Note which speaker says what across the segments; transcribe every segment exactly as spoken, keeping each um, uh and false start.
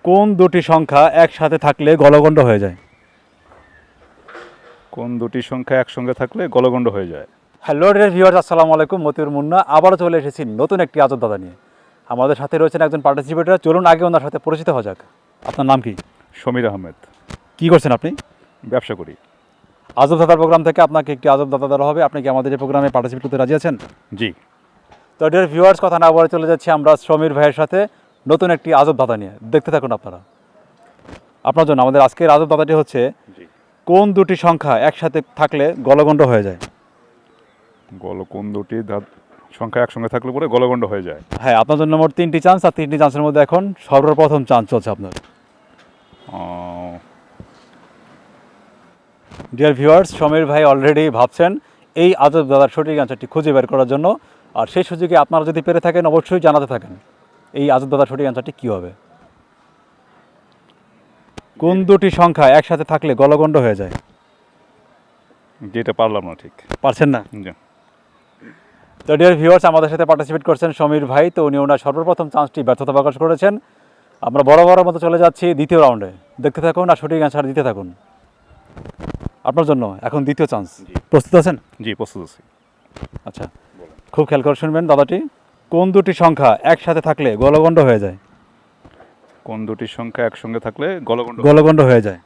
Speaker 1: কোন দুটি সংখ্যা একসাথে থাকলে গলগণ্ড হয়ে যায়?
Speaker 2: কোন দুটি সংখ্যা একসঙ্গে থাকলে গলগণ্ড হয়ে যায়?
Speaker 1: হ্যালো ডিয়ার ভিউয়ার্স, আসসালামু আলাইকুম। মতিউর মুন্না আবারও চলে এসেছি নতুন একটি আজব দাদা নিয়ে। আমাদের সাথে রয়েছেন একজন পার্টিসিপেটর। চলুন আগে ওনার সাথে পরিচিত হওয়া যাক। আপনার নাম কি?
Speaker 2: সমীর আহমেদ।
Speaker 1: কী করছেন আপনি?
Speaker 2: ব্যবসা করি।
Speaker 1: আজব দাদার প্রোগ্রাম থেকে আপনাকে একটি আজব দাদা দেওয়া হবে। আপনি কি আমাদের এই প্রোগ্রামে পার্টিসিপেট করতে রাজি আছেন?
Speaker 2: জি।
Speaker 1: তো ডিয়ার ভিউয়ার্স, কথা না বলে চলে যাচ্ছি আমরা সমীর ভাইয়ের সাথে নতুন একটি আজব দাদা নিয়ে। দেখতে থাকুন আপনারা। আপনার জন্য আমাদের আজকের আজব দাদাটি হচ্ছে,
Speaker 2: জি।
Speaker 1: কোন দুটি সংখ্যা একসাথে থাকলে গলগণ্ড হয়ে যায়?
Speaker 2: গল কোন দুটি ধাত সংখ্যা একসঙ্গে থাকলে পরে গলগণ্ড হয়ে যায়?
Speaker 1: হ্যাঁ, আপনার জন্য মোট তিনটি চান্স, আর তিনটি চান্সের মধ্যে এখন সর্বপ্রথম চান্স চলছে আপনার।
Speaker 2: আহ,
Speaker 1: ডিয়ার ভিউয়ার্স, সমীর ভাই অলরেডি ভাবছেন এই আজব দাদার সঠিক অ্যান্সারটি খুঁজে বের করার জন্য। আর সেই সুযোগে আপনারা যদি পেরে থাকেন অবশ্যই জানাতে থাকেন এই আজব দাদার সঠিক অ্যান্সারটি কী হবে। কোন দুটি সংখ্যা একসাথে থাকলে গলগণ্ড হয়ে যায়?
Speaker 2: যেটা পারলাম না ঠিক।
Speaker 1: পারছেন না?
Speaker 2: জি।
Speaker 1: তো ডিয়ার ভিউয়ার্স, আমাদের সাথে পার্টিসিপেট করছেন সমীর ভাই। তো উনি ওনার সর্বপ্রথম চান্সটি ব্যর্থতা প্রকাশ করেছেন। আমরা বড় বড় মতো চলে যাচ্ছি দ্বিতীয় রাউন্ডে। দেখতে থাকুন আর সঠিক অ্যান্সার দিতে থাকুন। আপনার জন্য এখন দ্বিতীয় চান্স। প্রস্তুত আছেন?
Speaker 2: জি, প্রস্তুত আছি।
Speaker 1: আচ্ছা, খুব খেয়াল করে শুনবেন দাদাটি। কোন দুটি সংখ্যা একসাথে থাকলে গলগণ্ড হয়ে যায়?
Speaker 2: কোন দুটি সংখ্যা একসঙ্গে থাকলে গলগণ্ড
Speaker 1: গলগণ্ড হয়ে যায়।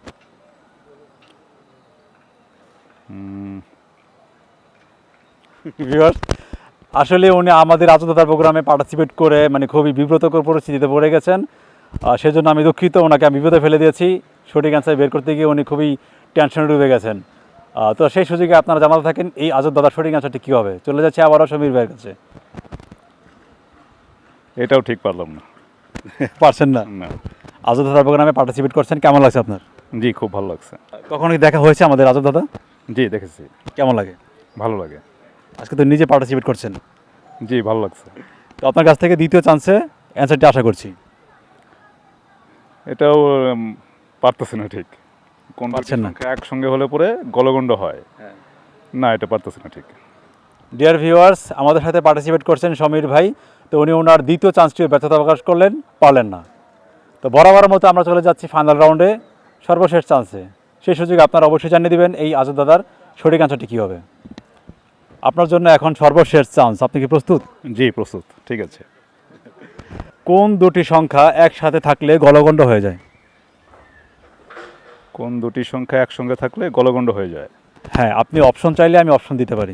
Speaker 2: উম,
Speaker 1: ভিউয়ার্স, আসলে উনি আমাদের আজদাতার প্রোগ্রামে পার্টিসিপেট করে মানে খুবই বিব্রতকর পরিস্থিতিতে পড়ে গেছেন। আহ, সেজন্য আমি দুঃখিত, ওনাকে আমি বিপদে ফেলে দিয়েছি। সঠিক অ্যান্সার বের করতে গিয়ে উনি খুবই টেনশনে ডুবে গেছেন। আহ, তো সেই সুযোগে আপনারা জানাতে থাকেন এই আজব দাদার সঠিক অ্যান্সারটি কী হবে। চলে যাচ্ছে আবারও সমীর ভাইয়ের কাছে।
Speaker 2: এটাও ঠিক পারলাম না।
Speaker 1: পারছেন না?
Speaker 2: না।
Speaker 1: আজব দাদার প্রোগ্রামে পার্টিসিপেট করছেন, কেমন লাগছে আপনার?
Speaker 2: জি, খুব ভালো লাগছে।
Speaker 1: কখনো কি দেখা হয়েছে আমাদের আজব দাদা?
Speaker 2: জি, দেখেছি।
Speaker 1: কেমন লাগে?
Speaker 2: ভালো লাগে।
Speaker 1: আজকে তো নিজে পার্টিসিপেট করছেন।
Speaker 2: জি, ভালো লাগছে।
Speaker 1: তো আপনার কাছ থেকে দ্বিতীয় চান্সে অ্যান্সারটি আশা করছি।
Speaker 2: এটাও উম, পারতেছি না ঠিক। কোন দুটি
Speaker 1: পারছেন না?
Speaker 2: সংখ্যা একসঙ্গে হলে পরে গলগণ্ড হয়? না, এটা পারতেছি না ঠিক।
Speaker 1: ডিয়ার ভিউয়ার্স, আমাদের সাথে পার্টিসিপেট করছেন সমীর ভাই। তো উনি ওনার দ্বিতীয় চান্সটিও ব্যর্থতা প্রকাশ করলেন, পারলেন না। তো বরাবর মতো আমরা চলে যাচ্ছি ফাইনাল রাউন্ডে, সর্বশেষ চান্সে। সেই সুযোগে আপনারা অবশ্যই জানিয়ে দেবেন এই আজব দাদার সঠিক অ্যান্সারটি কী হবে। আপনার জন্য এখন সর্বশেষ চান্স। আপনি কি প্রস্তুত?
Speaker 2: জি, প্রস্তুত। ঠিক আছে।
Speaker 1: কোন দুটি সংখ্যা একসাথে থাকলে গলগণ্ড হয়ে যায়?
Speaker 2: কোন দুটি সংখ্যা একসঙ্গে থাকলে গলগণ্ড হয়ে যায়?
Speaker 1: হ্যাঁ, আপনি অপশন চাইলে আমি অপশন দিতে পারি।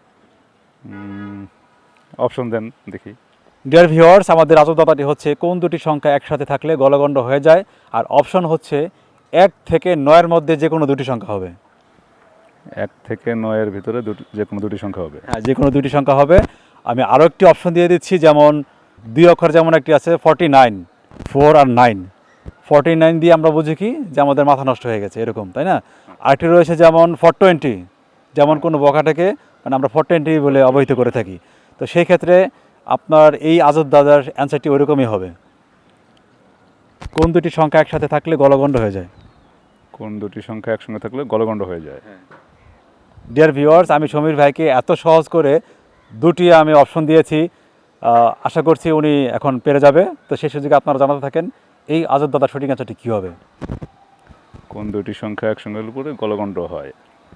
Speaker 2: অপশন দেন দেখি।
Speaker 1: ডিয়ার ভিউয়ার্স, আমাদের আজব দাদাটি হচ্ছে কোন দুটি সংখ্যা একসাথে থাকলে গলগণ্ড হয়ে যায়, আর অপশন হচ্ছে এক থেকে নয়ের মধ্যে যে কোনো দুটি সংখ্যা হবে।
Speaker 2: এক থেকে নয়ের ভিতরে দুটি যে কোনো দুটি সংখ্যা হবে।
Speaker 1: হ্যাঁ, যে কোনো দুটি সংখ্যা হবে। আমি আরও একটি অপশন দিয়ে দিচ্ছি, যেমন দুই অক্ষর যেমন একটি আছে ফর্টি নাইন, ফোর আর নাইন। ফর্টি নাইন দিয়ে আমরা বুঝি কি যে আমাদের মাথা নষ্ট হয়ে গেছে, এরকম, তাই না? আরেকটি রয়েছে যেমন ফোর টোয়েন্টি, যেমন কোনো বকাটাকে মানে আমরা ফোর টোয়েন্টি বলে অবহিত করে থাকি। তো সেই ক্ষেত্রে আপনার এই আজব দাদার অ্যান্সারটি ওইরকমই হবে। কোন দুটি সংখ্যা একসাথে থাকলে গলগণ্ড হয়ে যায়?
Speaker 2: কোন দুটি সংখ্যা একসঙ্গে থাকলে গলগণ্ড হয়ে যায়?
Speaker 1: ডিয়ার ভিউয়ার্স, আমি সমীর ভাইকে এত সহজ করে দুটি আমি অপশন দিয়েছি। আহ, আশা করছি উনি এখন পেরে যাবে। তো সেই সুযোগে আপনারা জানাতে থাকেন এই আজব দাদার সঠিক অ্যান্সারটি কী হবে।
Speaker 2: কোন দুটি সংখ্যা একসঙ্গে হলে পরে গলগণ্ড হয়?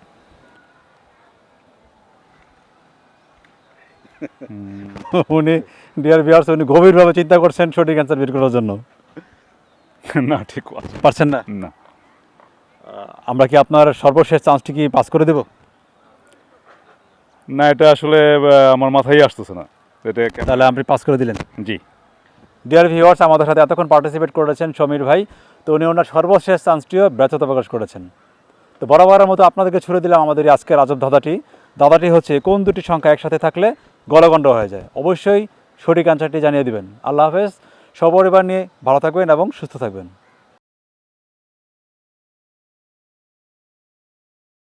Speaker 1: উনি ডিয়ার ভিউয়ার্স, উনি গভীরভাবে চিন্তা করছেন সঠিক অ্যান্সার বের করার জন্য।
Speaker 2: না, ঠিক
Speaker 1: পারছেন না?
Speaker 2: না।
Speaker 1: আমরা কি আপনার সর্বশেষ চান্সটি কি পাস করে দেব?
Speaker 2: না, এটা আসলে আহ, আমার মাথায় আসতেছে না। এটা কেন-
Speaker 1: তাহলে আপনি পাস করে দিলেন।
Speaker 2: জি।
Speaker 1: ডিয়ার ভিউয়ার্স, আমাদের সাথে এতক্ষণ পার্টিসিপেট করেছেন সমীর ভাই। তো উনি ওনার সর্বশেষ চান্সটিও ব্যর্থতা প্রকাশ করেছেন। তো বরাবরের মতো আপনাদেরকে ছুড়ে দিলাম আমাদের এই আজকের আজব দাদাটি। দাদাটি হচ্ছে কোন দুটি সংখ্যা একসাথে থাকলে গলগণ্ড হয়ে যায়। অবশ্যই সঠিক অ্যান্সারটি জানিয়ে দিবেন। আল্লাহ হাফেজ। সপরিবার নিয়ে ভালো থাকবেন এবং সুস্থ থাকবেন।